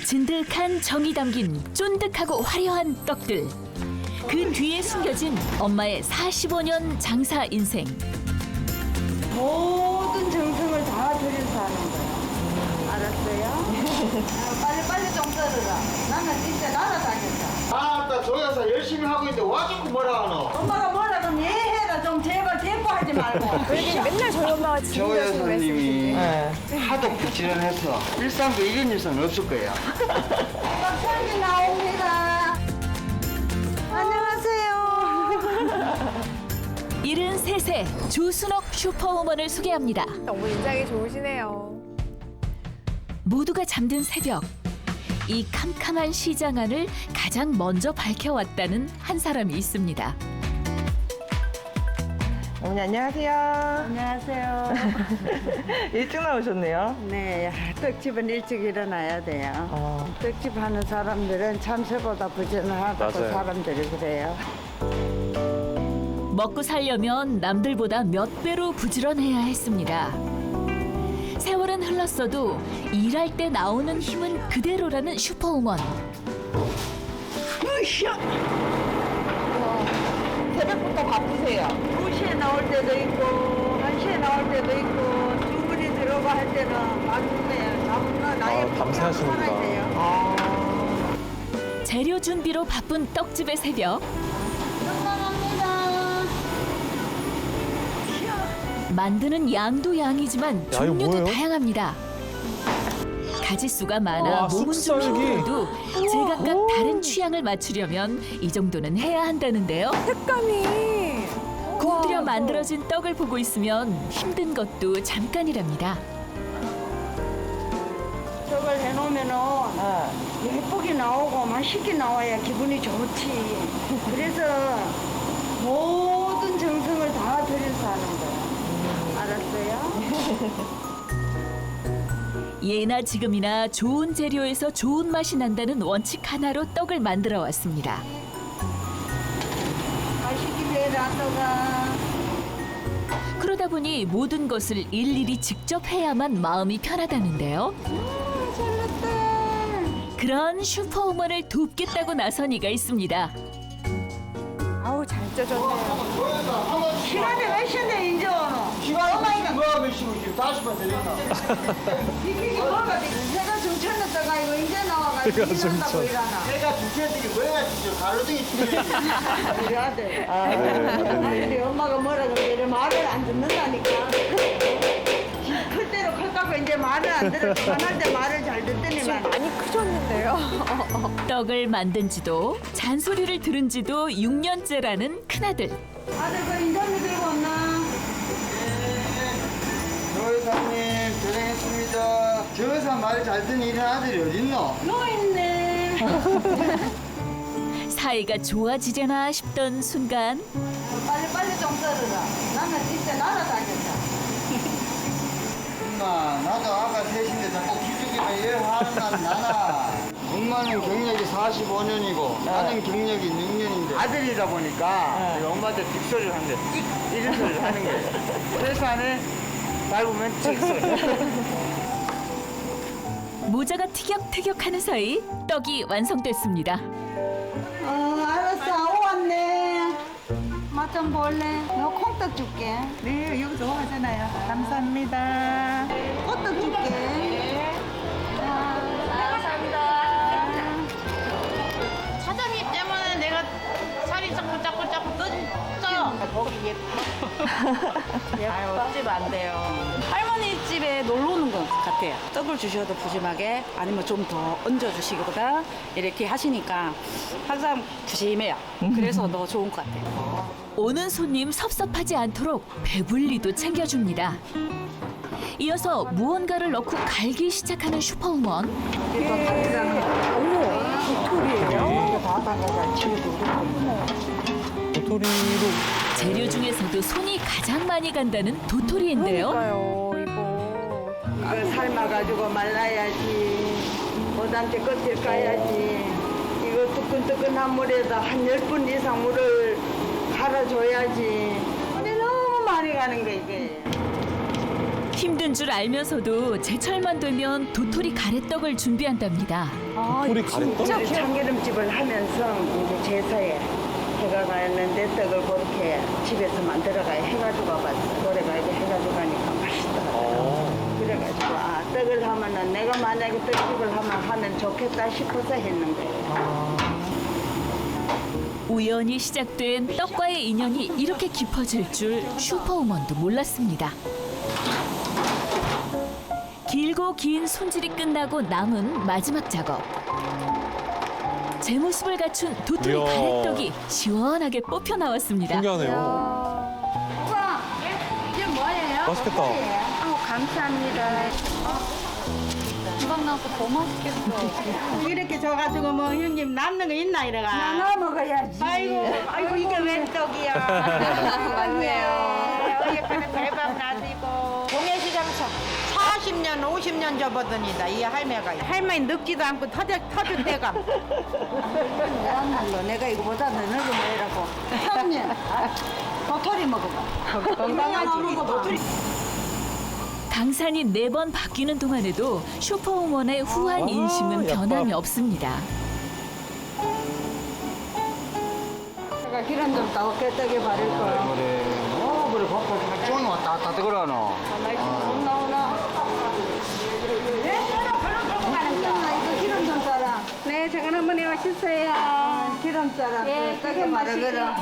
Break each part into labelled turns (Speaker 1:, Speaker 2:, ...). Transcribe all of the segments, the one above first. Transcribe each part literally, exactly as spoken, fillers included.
Speaker 1: 진득한 정이 담긴 쫀득하고 화려한 떡들. 그 뒤에 숨겨진 엄마의 사십오 년 장사 인생.
Speaker 2: 모든 정성을 다 들여서 하는 거야. 알았어요? 빨리빨리 좀 썰어라. 나는 진짜 날아다녔다.
Speaker 3: 아따 저 여사 열심히 하고 있는데 와주고 뭐라 하노?
Speaker 2: 엄마가 뭐라 그러면 얘해라 좀 제발 대포하지 말고.
Speaker 4: 왜냐면 맨날 저희 엄마가
Speaker 3: 저
Speaker 4: 지금
Speaker 3: 여사님이 하도 부지런해서 일상도 이런 일은 없을 거예요.
Speaker 2: 박사님 나옵니다. 안녕하세요.
Speaker 1: 일흔세 세 조순옥 슈퍼우먼을 소개합니다.
Speaker 4: 너무 인상이 좋으시네요.
Speaker 1: 모두가 잠든 새벽. 이 캄캄한 시장 안을 가장 먼저 밝혀왔다는 한 사람이 있습니다.
Speaker 5: 어머니 안녕하세요.
Speaker 2: 안녕하세요.
Speaker 5: 일찍 나오셨네요.
Speaker 2: 네, 떡집은 일찍 일어나야 돼요.
Speaker 5: 어.
Speaker 2: 떡집 하는 사람들은 참새보다 부지런하다고 사람들이 그래요.
Speaker 1: 먹고 살려면 남들보다 몇 배로 부지런해야 했습니다. 세월은 흘렀어도 일할 때 나오는 힘은 그대로라는 슈퍼우먼.
Speaker 5: 새벽부터 바쁘세요.
Speaker 2: 두 시에 나올 때도 있고, 한 시에 나올 때도 있고, 주문이 들어가 할 때는 맞는데, 잡으면 나의
Speaker 6: 아, 밤새 하시는구나.
Speaker 2: 돼요.
Speaker 5: 아.
Speaker 1: 재료 준비로 바쁜 떡집의 새벽. 만드는 양도 양이지만
Speaker 6: 이거
Speaker 1: 종류도
Speaker 6: 뭐예요?
Speaker 1: 다양합니다. 가짓수가 많아
Speaker 6: 와,
Speaker 1: 몸은 좀
Speaker 6: 쑥썰기.
Speaker 1: 힘들어도 제각각 다른 취향을 맞추려면 이 정도는 해야 한다는데요.
Speaker 4: 색감이.
Speaker 1: 공들여
Speaker 4: 와,
Speaker 1: 만들어진 떡을 보고 있으면 힘든 것도 잠깐이랍니다.
Speaker 2: 저걸 해놓으면은 예쁘게 나오고 맛있게 나와야 기분이 좋지. 그래서 모든 정성을 다 들여서 하는 거야. 알았어요?
Speaker 1: 예나 지금이나 좋은 재료에서 좋은 맛이 난다는 원칙 하나로 떡을 만들어 왔습니다.
Speaker 2: 맛있게 해라, 또가.
Speaker 1: 그러다 보니 모든 것을 일일이 직접 해야만 마음이 편하다는데요. 그런 슈퍼우먼을 돕겠다고 나선 이가 있습니다.
Speaker 4: 아우 잘 쪄졌네요.
Speaker 2: 시간이 몇 시인데 이제 오노?
Speaker 3: 시간 얼마나 뭐가 몇시고 지금 다시 번 드린다.
Speaker 2: 비키기 뭐가 되지? 내가 중천했다가 이거 이제 나와가지고 일한다고 일하나?
Speaker 3: 내가 주체들이 뭐야 진짜 가로등이 치네.
Speaker 2: 우리 아들.
Speaker 5: 아,
Speaker 2: 아들이 엄마가 뭐라 그래 말을 안 듣는다니까. 클 대로 클까고 이제 말을 안 들어. 화날 때 말을 잘 듣더니만.
Speaker 4: 많이 크셨는데요.
Speaker 1: 떡을 만든 지도 잔소리를 들은 지도 육 년째라는 큰아들.
Speaker 2: 아들 그 인터뷰 들고 왔나?
Speaker 3: 저 여사님 고생했습니다. 저 여사 말 잘 듣는 이런 아들이 어딨노?
Speaker 2: 누워있네.
Speaker 1: 사이가 좋아지려나 싶던 순간
Speaker 2: 빨리빨리 좀 썰어라. 나는 진짜 날아다녔다.
Speaker 3: 엄마 나도 아까 셋인데 자꾸 기죽이면 얘 화는 난 나나. 엄마는 경력이 사십오 년이고 나는 경력이 육 년인데 아들이다 보니까 내가 엄마한테 빅소리를 하는데 띡 이런 소리를 하는 거예요. 회사는 밟으면 찍소리.
Speaker 1: 모자가 티격태격하는 사이 떡이 완성됐습니다.
Speaker 2: 어, 알았어. 아우 왔네. 맛 좀 볼래? 너 콩떡 줄게.
Speaker 5: 네, 여기 좋아하잖아요. 감사합니다.
Speaker 2: 꽃떡 줄게.
Speaker 7: 사장님 때문에 내가 살이 자꾸 자꾸 자꾸 쪄요. 보기 예뻐. 아유, 떡집 안 돼요. 할머니 집에 놀러 오는 것 같아요. 떡을 주셔도 푸짐하게 아니면 좀 더 얹어주시거나 이렇게 하시니까 항상 푸짐해요. 그래서 더 좋은 것 같아요.
Speaker 1: 오는 손님 섭섭하지 않도록 배불리도 챙겨줍니다. 이어서 무언가를 넣고 갈기 시작하는 슈퍼우먼.
Speaker 6: 도토리로
Speaker 1: 재료 중에서도 손이 가장 많이 간다는 도토리인데요.
Speaker 4: 그러니까요, 이거.
Speaker 2: 이걸 삶아가지고 말라야지. 보단테 껍질 까야지. 이거 뜨끈뜨끈한 물에다 한 열 분 이상 물을 갈아줘야지. 근데 너무 많이 가는 거 이게.
Speaker 1: 힘든 줄 알면서도 제철만 되면 도토리 가래떡을 준비한답니다.
Speaker 4: 아,
Speaker 6: 우리 가래떡?
Speaker 4: 진짜
Speaker 2: 우리
Speaker 4: 귀엽-
Speaker 2: 참기름집을 하면서 이제 제사에 해가 가는데 떡을 그렇게 집에서 만들어가야 해가지고 가봤어. 노래가지고 해가지고 가니까 맛있더라고요.
Speaker 6: 어.
Speaker 2: 그래가지고 아 떡을 하면은 내가 만약에 떡집을 하면 하면 좋겠다 싶어서 했는 거예요.
Speaker 1: 우연히 시작된 떡과의 인연이 이렇게 깊어질 줄 슈퍼우먼도 몰랐습니다. 길고 긴 손질이 끝나고 남은 마지막 작업. 제 모습을 갖춘 도토리
Speaker 6: 이야.
Speaker 1: 가래떡이 시원하게 뽑혀 나왔습니다.
Speaker 6: 신기하네요.
Speaker 2: 오빠 이게 뭐예요?
Speaker 6: 맛있겠다.
Speaker 2: 아우 감사합니다.
Speaker 7: 금방 나서 더 맛있겠어.
Speaker 5: 이렇게 줘가지고 뭐 형님 남는 거 있나 이래가.
Speaker 2: 나눠 먹어야지.
Speaker 5: 아이고, 아이고 이게 웬 떡이야.
Speaker 2: 맞네요.
Speaker 5: 어예쁘게 대박 나시고. 동해시장에서 사십 년, 오십 년 접어드니다 이 할매가. 할머니 늙지도 않고 터져 터질 때가.
Speaker 2: 왜안날로 내가 이거보다 더 늙은 뭐라고. 형님 도토리 먹어봐.
Speaker 5: 건강하지.
Speaker 2: 도토리.
Speaker 1: 강산이 네 번 바뀌는 동안에도 슈퍼우먼의 후한 인심은
Speaker 6: 야,
Speaker 1: 변함이
Speaker 6: 밥.
Speaker 1: 없습니다.
Speaker 2: 제가 기름 좀 따올게 떡에 바를 걸.
Speaker 3: 그래. 어, 그래, 밥도 좀 왔다 갔다 뜨거라, 너.
Speaker 2: 못 나오나? 왜? 이거 기름 좀 따라.
Speaker 4: 네, 작은 어머니 맛있어요.
Speaker 2: 기름 따라.
Speaker 4: 예,
Speaker 2: 떡에 바르거라.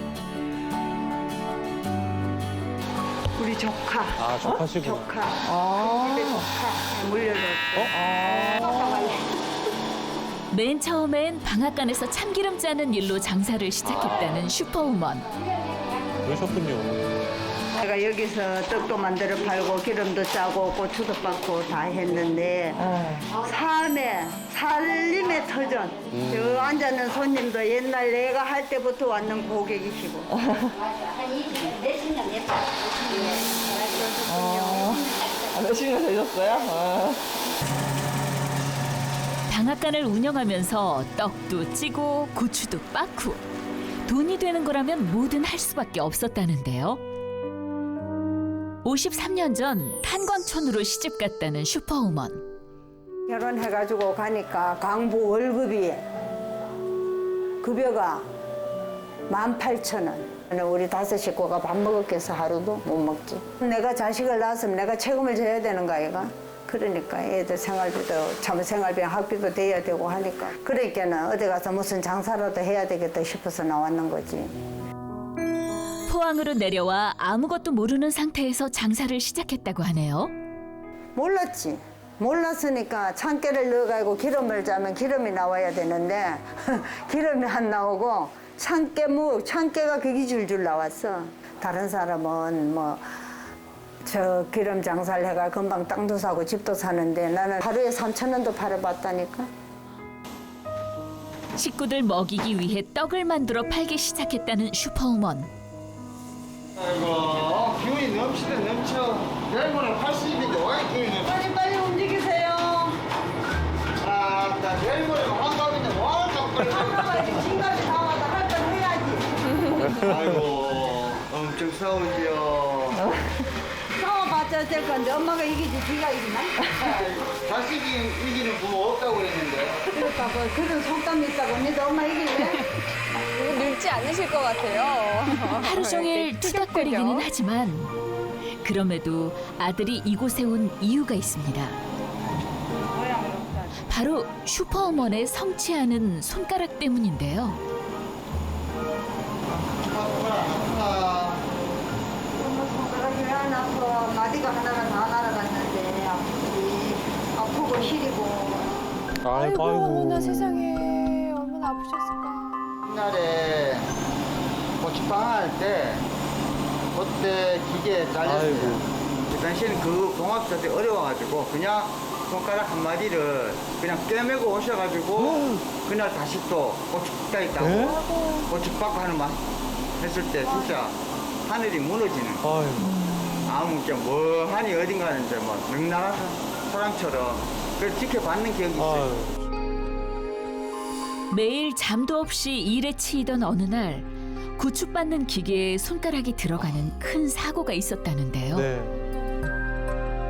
Speaker 2: 우리 조카.
Speaker 6: 아, 조카시구나.
Speaker 2: 조카. 집에 조카. 물려줬어.
Speaker 1: 맨 처음엔 방앗간에서 참기름 짜는 일로 장사를 시작했다는 슈퍼우먼.
Speaker 6: 그러셨군요.
Speaker 2: 내가 여기서 떡도 만들어 팔고 기름도 짜고 고추도 빻고 다 했는데 삶에 살림의 터전 저 앉아있는 손님도 옛날 내가 할 때부터 왔는 고객이시고
Speaker 5: 몇십 년 되셨어요?
Speaker 1: 방앗간을 운영하면서 떡도 찌고 고추도 빻고 돈이 되는 거라면 뭐든 할 수밖에 없었다는데요. 오십삼 년 전 탄광촌으로 시집 갔다는 슈퍼우먼.
Speaker 2: 결혼해가지고 가니까 강부 월급이 급여가 만 팔천 원. 우리 다섯 식구가 밥 먹었겠어 하루도 못 먹지. 내가 자식을 낳았으면 내가 책임을 져야 되는 거 아이가? 그러니까 애들 생활비도 참 생활비 학비도 돼야 되고 하니까 그러니까는 어디 가서 무슨 장사라도 해야 되겠다 싶어서 나왔는 거지.
Speaker 1: 포항으로 내려와 아무것도 모르는 상태에서 장사를 시작했다고 하네요.
Speaker 2: 몰랐지. 몰랐으니까 참깨를 넣어가지고 기름을 짜면 기름이 나와야 되는데 기름이 안 나오고 참깨무, 참깨가 그게 줄줄 나왔어. 다른 사람은 뭐 저 기름 장사를 해가 금방 땅도 사고 집도 사는데 나는 하루에 삼천 원도 팔아봤다니까.
Speaker 1: 식구들 먹이기 위해 떡을 만들어 팔기 시작했다는 슈퍼우먼.
Speaker 3: 아이고, 기운이 넘치네, 넘쳐. 내일 모레 팔십인데 왜 기운이 넘쳐?
Speaker 2: 빨리 빨리 움직이세요.
Speaker 3: 아, 나 내일 모레 환갑인데 뭐 자꾸 빨리.
Speaker 2: 한가지 진갑이 다 와서 할 건 해야지.
Speaker 3: 아이고, 엄청 싸우지요.
Speaker 2: 싸워봤자 될 건데 엄마가 이기지 지가 이기나?
Speaker 3: 자식이 이기는 부모 없다고 그랬는데.
Speaker 2: 그러니까 뭐 그런 속담이 있다고 언니도 엄마 이길래?
Speaker 4: 늙지 않으실 것 같아요.
Speaker 1: 하루 종일 투닥거리기는 하지만 그럼에도 아들이 이곳에 온 이유가 있습니다. 바로 슈퍼우먼의 성취하는 손가락 때문인데요.
Speaker 3: 아프다.
Speaker 2: 엄마 손가락이 왜 안 아파? 마디가 하나가 다 날아갔는데 아프지. 아프고 시리고.
Speaker 6: 아이고,
Speaker 4: 아이고, 어머나
Speaker 6: 아이고.
Speaker 4: 세상에. 얼마나 아프셨을까.
Speaker 3: 옛날에 고추빵 할 때 그때 기계에 잘렸어요.
Speaker 6: 아이고.
Speaker 3: 그 당시에는 그 공학 자체 어려워가지고 그냥 손가락 한 마디를 그냥 꿰매고 오셔가지고 그날 다시 또 고추가 있다고
Speaker 6: 네?
Speaker 3: 고추빵 하는 맛 했을 때 진짜 하늘이 무너지는
Speaker 6: 아이고.
Speaker 3: 아무 게 뭐하니 어딘가는 이제 뭐 능랑한 사람처럼 그걸 지켜봤는 기억이 있어요.
Speaker 6: 아이고.
Speaker 1: 매일 잠도 없이 일에 치이던 어느 날 고추 빻는 기계에 손가락이 들어가는 큰 사고가 있었다는데요.
Speaker 6: 네.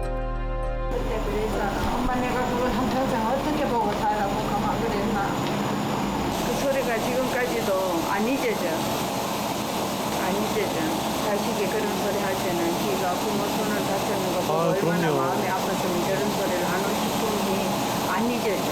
Speaker 5: 양반 내가 그걸 한 평생 어떻게 보고 살라고 가만 그랬나. 그 소리가 지금까지도 안 잊어져. 안 잊어져. 자식이 그런 소리 할 때는 지가 부모 손을 다쳤는 거 보고
Speaker 6: 아,
Speaker 5: 얼마나
Speaker 6: 그럼요.
Speaker 5: 마음이 아팠으면 저런 소리를 하는 싶은지 안 잊어져.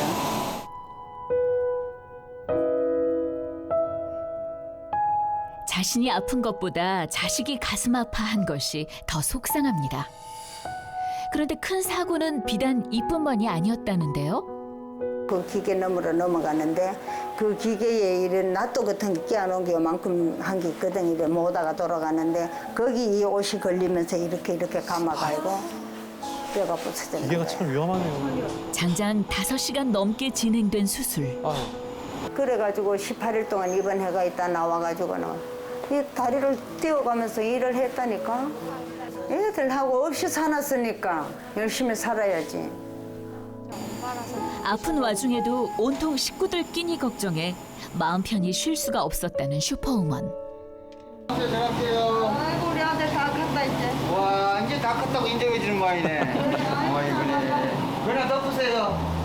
Speaker 1: 자신이 아픈 것보다 자식이 가슴 아파한 것이 더 속상합니다. 그런데 큰 사고는 비단 이뿐만이 아니었다는데요.
Speaker 2: 그 기계 너머로 넘어가는데 그 기계에 이런 낫도 같은 게 끼워놓은 게 요만큼 한 게 있거든. 이래 모다가 돌아가는데 거기 이 옷이 걸리면서 이렇게 이렇게 감아가지고 뼈가 부서졌는데.
Speaker 6: 기계가 참 위험하네요.
Speaker 1: 장장 다섯 시간 넘게 진행된 수술.
Speaker 6: 아,
Speaker 2: 그래가지고 십팔 일 동안 입원해가 있다 나와가지고는 이 다리를 띄워가면서 일을 했다니까. 애들하고 없이 사놨으니까 열심히 살아야지.
Speaker 1: 아픈 와중에도 온통 식구들 끼니 걱정에 마음 편히 쉴 수가 없었다는 슈퍼우먼.
Speaker 3: 이제 들어갈게요.
Speaker 5: 아이고 우리 아들 다 컸다 이제.
Speaker 3: 와, 이제 다 컸다고 인정해 주는 거 아니네. 어이구네. 그냥 덮으세요.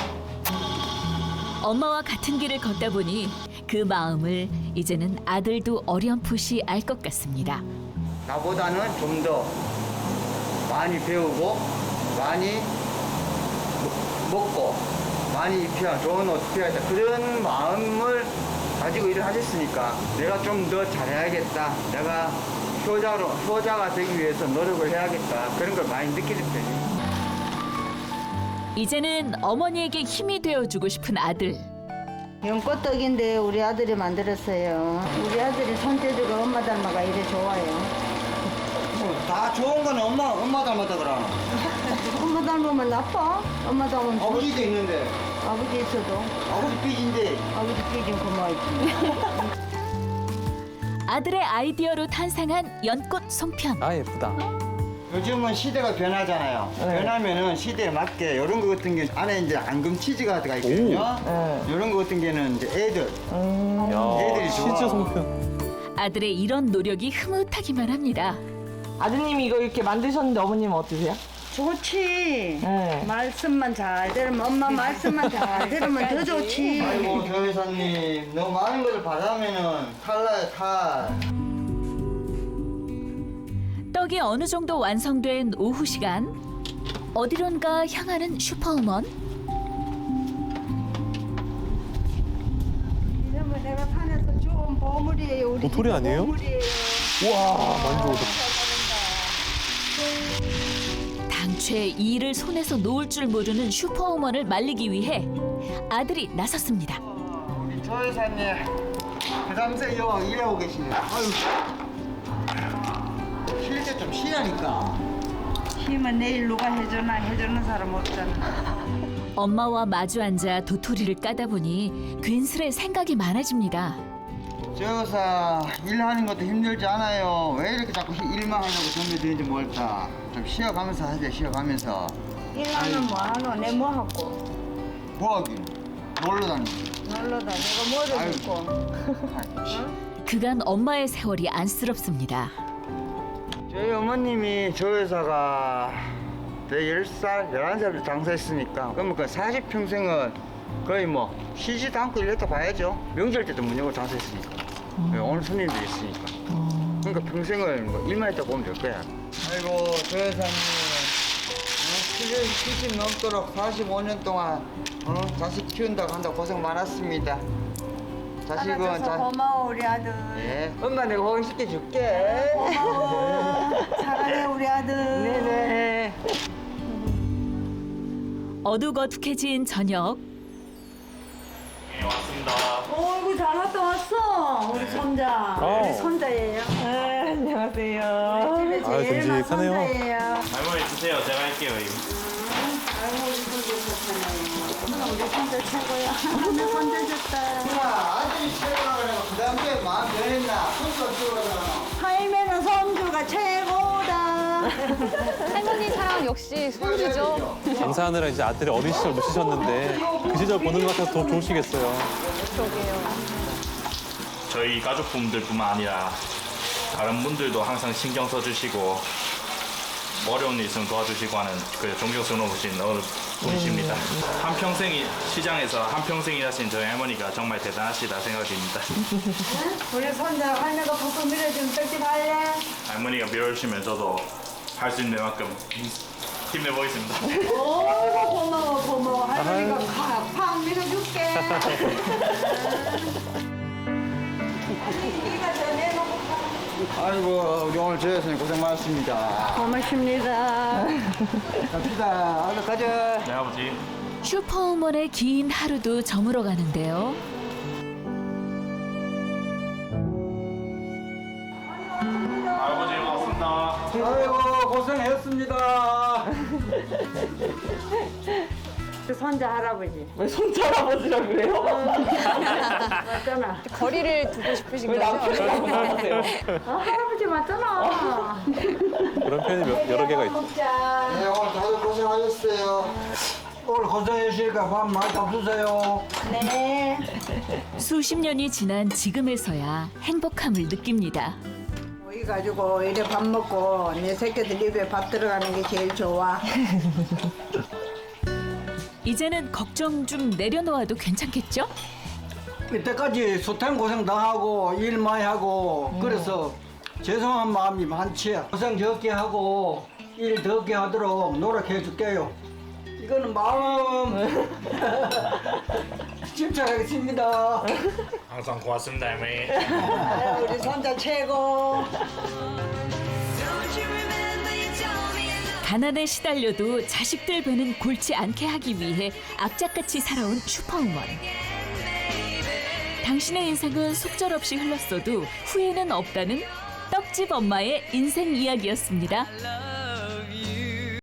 Speaker 1: 엄마와 같은 길을 걷다 보니 그 마음을 이제는 아들도 어렴풋이 알 것 같습니다.
Speaker 3: 나보다는 좀 더 많이 배우고 많이 먹- 먹고 많이 입혀야 좋은 옷 입혀야 돼. 그런 마음을 가지고 일을 하셨으니까 내가 좀 더 잘해야겠다. 내가 효자로 효자가 되기 위해서 노력을 해야겠다. 그런 걸 많이 느끼는 편이에요.
Speaker 1: 이제는 어머니에게 힘이 되어주고 싶은 아들.
Speaker 2: 연꽃떡인데 우리 아들이 만들었어요. 우리 아들이 손재주가 엄마 닮아가 이래 좋아요.
Speaker 3: 다 좋은 건 엄마 엄마 닮았다 그러.
Speaker 2: 엄마 닮으면 나빠? 엄마 닮으면 좋아.
Speaker 3: 아버지도 있는데
Speaker 2: 아버지 있어도
Speaker 3: 아버지 삐진데.
Speaker 2: 아버지 삐진 고마워지.
Speaker 1: 아들의 아이디어로 탄생한 연꽃 송편.
Speaker 6: 아 예쁘다.
Speaker 3: 요즘은 시대가 변하잖아요. 변하면은 시대에 맞게 이런 거 같은 게 안에 이제 앙금 치즈가 들어가 있거든요. 이런 거 같은 게는 이제 애들
Speaker 6: 야,
Speaker 3: 애들이 좋아.
Speaker 6: 치즈 송편.
Speaker 1: 아들의 이런 노력이 흐뭇하기만 합니다.
Speaker 8: 아드님이 이거 이렇게 만드셨는데 어머님은 어떠세요?
Speaker 2: 좋지.
Speaker 8: 네.
Speaker 2: 말씀만 잘 들으면 엄마 말씀만 잘 들으면 더 좋지.
Speaker 3: 아이고 조 회사님 너무 많은 것을 받으면은 탈나요 탈.
Speaker 1: 떡이 어느 정도 완성된 오후 시간. 어디론가 향하는 슈퍼우먼.
Speaker 2: 이러면 내가 산에서 좋은 보물이에요. 우리
Speaker 6: 도토리
Speaker 2: 집
Speaker 6: 아니에요?
Speaker 2: 보물이에요.
Speaker 6: 우와, 만져도.
Speaker 1: 당최 이 일을 손에서 놓을 줄 모르는 슈퍼우먼을 말리기 위해 아들이 나섰습니다.
Speaker 3: 우리 조 회사님 그다음에 여 일하고 계시네. 아유 쉴 때 좀 쉬라니까.
Speaker 5: 힘은 내일 누가 해주나 해주는 사람 없잖아.
Speaker 1: 엄마와 마주 앉아 도토리를 까다 보니 괜스레 생각이 많아집니다.
Speaker 3: 조 회사 일하는 것도 힘들지 않아요. 왜 이렇게 자꾸 일만 하려고 덤벼드는지 모르겠다. 좀 쉬어가면서 하자 쉬어가면서.
Speaker 5: 일하면 뭐하노? 내 뭐하고?
Speaker 3: 뭐하긴 놀러 다니기.
Speaker 5: 놀러 다니고 뭐를
Speaker 3: 아유.
Speaker 5: 듣고.
Speaker 1: 그간 엄마의 세월이 안쓰럽습니다.
Speaker 3: 저희 어머님이 저 회사가 열 살, 열한 살부터 장사했으니까 그러면 그 사십 평생은 거의 뭐 쉬지도 않고 일했다 봐야죠. 명절 때도 문 열고 장사했으니까. 오늘 손님들이 있으니까. 그러니까 평생을 뭐 일만 했다 보면 될 거야. 아이고 저 회사님 칠십 넘도록 사십오 년 동안 어? 자식 키운다고 한다고 고생 많았습니다. 자식은
Speaker 5: 알아줘서
Speaker 3: 자,
Speaker 5: 고마워 우리 아들.
Speaker 3: 예. 엄마 내가 호강시켜 줄게.
Speaker 5: 고마워. 사랑해 우리 아들.
Speaker 3: 네네.
Speaker 1: 어둑어둑해진 저녁.
Speaker 5: 어이구 잘 왔다 왔어. 우리 손자.
Speaker 6: 어.
Speaker 5: 우리 손자예요.
Speaker 8: 네, 안녕하세요.
Speaker 5: 집에
Speaker 6: 아,
Speaker 5: 제일 막
Speaker 6: 듬직하네요.
Speaker 5: 손자예요.
Speaker 9: 할머니 주세요. 제가 할게요. 이거.
Speaker 5: 아이고 우리 손자 좋잖아요. 우리 손자 최고야. 내 손자 좋다.
Speaker 3: 야, 아들이 최고라 그러고 그 다음에 마음 변했나? 손수 없으라 그러나?
Speaker 5: 할매는 손주가 최고다.
Speaker 4: 할머니 사랑 역시 손주죠.
Speaker 6: 장사하느라 이제 아들의 어린 시절 놓치셨는데 그 시절 보는 것 같아서 더 좋으시겠어요.
Speaker 9: 저희 가족분들뿐만 아니라 다른 분들도 항상 신경 써주시고 어려운 일 있으면 도와주시고 하는 그 존경스러우신 어느 분이십니다. 한평생 시장에서 한평생 일하신 저희 할머니가 정말 대단하시다 생각됩니다.
Speaker 2: 우리 손자 할머니가 푹푹 밀어주면 떡집 할래?
Speaker 9: 할머니가 밀어주시면 저도 할 수 있는 만큼 힘내보겠습니다.
Speaker 2: 오 고마워 고마워 할머니가 팍팍 밀어줄게. 이가 더 내놓고
Speaker 3: 아이고 우리 오늘 저였으니 고생 많았습니다.
Speaker 2: 고맙습니다.
Speaker 3: 갑시다. 얼른 가자.
Speaker 9: 네 아버지.
Speaker 1: 슈퍼우먼의 긴 하루도 저물어 가는데요.
Speaker 9: 아버지 고맙습니다.
Speaker 3: 아이고 고생했습니다.
Speaker 2: 그 손자 할아버지
Speaker 8: 왜 손자아버지라 그래요?
Speaker 2: 맞잖아.
Speaker 4: 거리를 두고 싶으신
Speaker 8: 왜
Speaker 4: 거죠?
Speaker 8: 남편이라고 하세요?
Speaker 2: 아, 할아버지 맞잖아.
Speaker 6: 그런 표현이 몇- 여러 개가 있죠.
Speaker 2: 먹자.
Speaker 3: 네 오늘 다들 고생하셨어요. 오늘 고생하시니까 밥 많이 잡수세요.
Speaker 2: 네.
Speaker 1: 수십 년이 지난 지금에서야 행복함을 느낍니다.
Speaker 5: 모이 가지고 이래 밥 먹고 내 새끼들 입에 밥 들어가는 게 제일 좋아.
Speaker 1: 이제는 걱정 좀 내려놓아도 괜찮겠죠?
Speaker 3: 이때까지 수탱 고생 당하고 일 많이 하고 그래서 죄송한 마음이 많지. 고생 적게 하고 일 적게 하도록 노력해 줄게요. 이거는 마음 집착하겠습니다.
Speaker 9: 항상 고맙습니다 할머니.
Speaker 5: 우리 손자 최고.
Speaker 1: 가난에 시달려도 자식들 배는 골치 않게 하기 위해 악착같이 살아온 슈퍼우먼. 당신의 인생은 속절없이 흘렀어도 후회는 없다는 떡집 엄마의 인생 이야기였습니다.